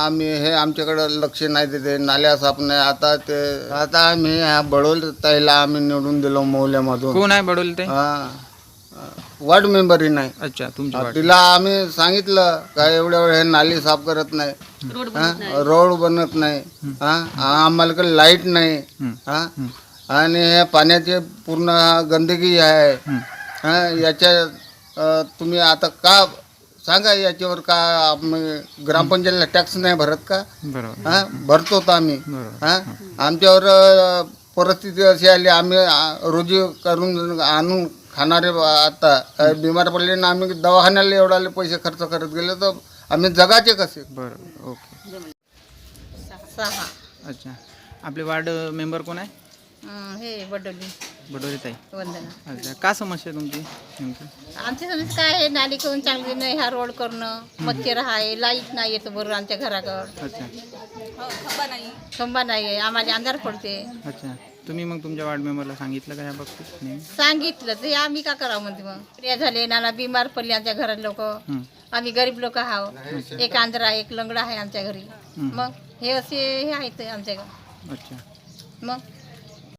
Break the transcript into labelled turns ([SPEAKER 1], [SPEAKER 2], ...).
[SPEAKER 1] आम्ही हे आमच्याकडे लक्ष नाही देते, नाल्या साफ नाही. आता आम्ही ह्या बडोल ताईला आम्ही निवडून दिलो मौल्यामधून.
[SPEAKER 2] कोण आहे बडोल ते?
[SPEAKER 1] वार्ड मेंबरही नाही.
[SPEAKER 2] अच्छा, तुमच्या वार्ड.
[SPEAKER 1] तिला आम्ही सांगितलं का एवढ्या वेळ हे नाली साफ करत नाही, रोड बनत नाही, आम्हाला काही लाईट नाही, आणि हे पाण्याची पूर्ण गंदगी आहे. याच्या तुम्ही आता का सांगा, याच्यावर का आम्ही ग्रामपंचायतीला टॅक्स नाही भरत का?
[SPEAKER 2] बरोबर.
[SPEAKER 1] भरतो तर आम्ही. आमच्यावर परिस्थिती अशी आली, आम्ही रोजी करून आणून खाणारे आता बिमार पडले ना, आम्ही दवाखान्याला एवढाले पैसे खर्च करत गेले तर आम्ही जगाचे कसे?
[SPEAKER 2] बरोबर. ओके.
[SPEAKER 3] 6.
[SPEAKER 2] अच्छा, आपले वार्ड मेंबर कोण आहे?
[SPEAKER 3] हे बडोली
[SPEAKER 2] बडोली ताई.
[SPEAKER 3] वंदना.
[SPEAKER 2] अच्छा, का समस्या तुमची नेमकी?
[SPEAKER 3] आमची समज काय आहे, नाली करून चांगली नाही, हा रोड करणं, मच्छर आहे, लाईट नाही येतो बरोबर आमच्या घराकडं,
[SPEAKER 2] अच्छा
[SPEAKER 3] खंबा नाही आहे, आम्हाला अंधार पडते.
[SPEAKER 2] अच्छा, तुम्ही मग तुमच्या वार्ड मेंबरला सांगितलं का या बाबतीत नेहमी?
[SPEAKER 3] सांगितलं तर आम्ही का करावं म्हणते. मग प्रिया झाले, नाना बिमार पडले आमच्या घरात लोक, आम्ही गरीब लोक आहोत, एक आंध्रा एक लंगडा आहे आमच्या घरी. मग हे असे हे आहेत आमच्या घरी.
[SPEAKER 2] अच्छा,
[SPEAKER 3] मग